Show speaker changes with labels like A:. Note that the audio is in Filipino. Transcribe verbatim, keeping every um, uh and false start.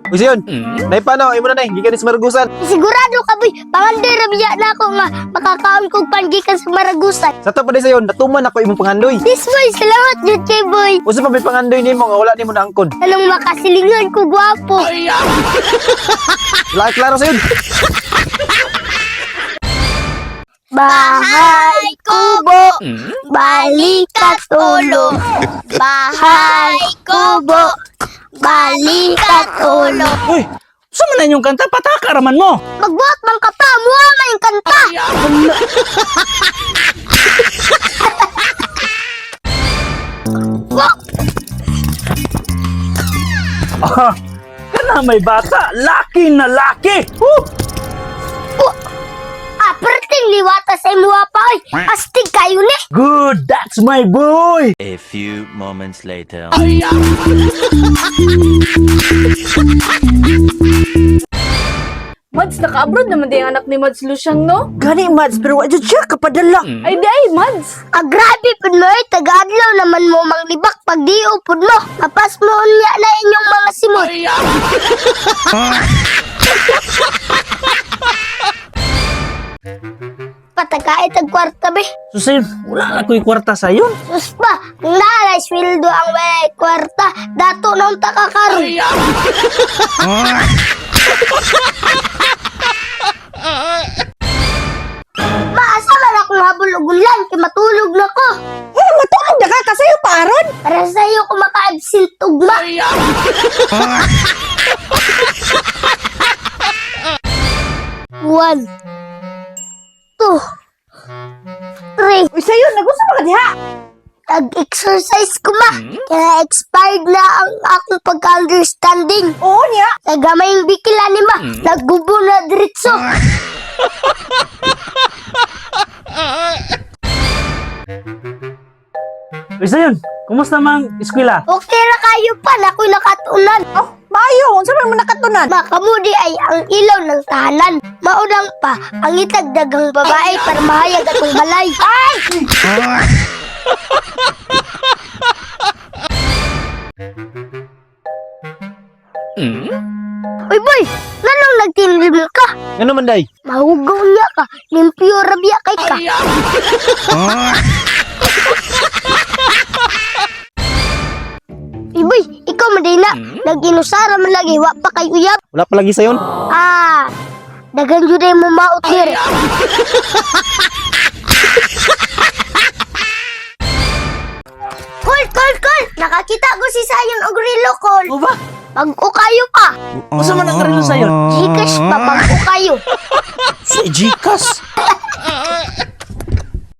A: Uy, siyon. Nay paano? Imo na nay, gikan sa Maragusan.
B: Sigurado ka, boy. Pangandoy rabiya na ako nga. Makakaon kong pangikan sa Maragusan.
A: Sa to pa din sayon, natuman ako imong pangandoy.
B: This boy, salamat dyan kay boy.
A: Usa pa may pangandoy nimo nga wala nimo na angkon.
B: Anong makasilingan ko, gwapo.
A: Wala klaro sayon.
B: Bahay kubo, balikat ulo. Bahay kubo, balikat ulo.
C: Uy, saan man na yung kanta? Pataka raman mo.
B: Magbuhat man ka pa, muha man yung kanta. Wak!
C: Ah, kana may bata. Laki na laki. Woo!
B: Wak! Ah, perting liwata sa imuha pa, oy. Astig kayo ni.
C: Good, that's my boy.
D: A few moments later.
E: Mads, naka-abroad naman din ang anak ni Mads Luciang, no?
F: Gani, Mads, pero wala siya kapadala.
E: Ay, di ay, Mads.
B: Ah, grabe po mo, oy. Taga-adlaw naman mo manglibak pag di upod mo. Kapas mo unya na inyong mga simot. Patagkait ang kwarta, be.
C: So, sayo, wala na ko'y kwarta sa'yo.
B: Sus pa, kung nalay sweldo ang walay kwarta, dato nang takakaroon. Maasa man akong habol og ulan, kay matulog na ko.
F: Eh, matulog na ka kasi yung paron.
B: Para sa'yo ko maka-absent ugma. One, two, three.
F: Uy, sa'yo, nagusto mo ka diha.
B: Nag-exercise ko ma. Kaya expired na ang akong pagka-understanding.
F: Oo niya.
B: Sa gamayng bikila ni ma, naggubo na diretso.
C: Uy, sayo, kumusta mang eskwela?
B: Okay ra kayo pa, nako'y nakatunan.
F: Oh, maayo. Unsa man mo nakatunan?
B: Makamudi ay ang ilaw ng tahanan. Maudang pa, ang itagdagang babae para mahayag atong balay. Ay! Uy boy, nanong nagtinlim ka?
A: Ngano man day?
B: Mahugaw niya ka, limpyo rabia kay ka. Uy boy, ikaw maday na, nag-inusara man lagi, wa pa kay uyab.
A: Wala pa lagi sayon.
B: Ah, dagan jud ay mo maot dire. Kol, kol, kol! Nakakita ko si Sayon og relo, kol.
C: O ba?
B: Pag-o kayo pa.
C: Usa man ang karilo sa'yo?
B: Gcash pa, pag-o kayo.
C: Si Gcash.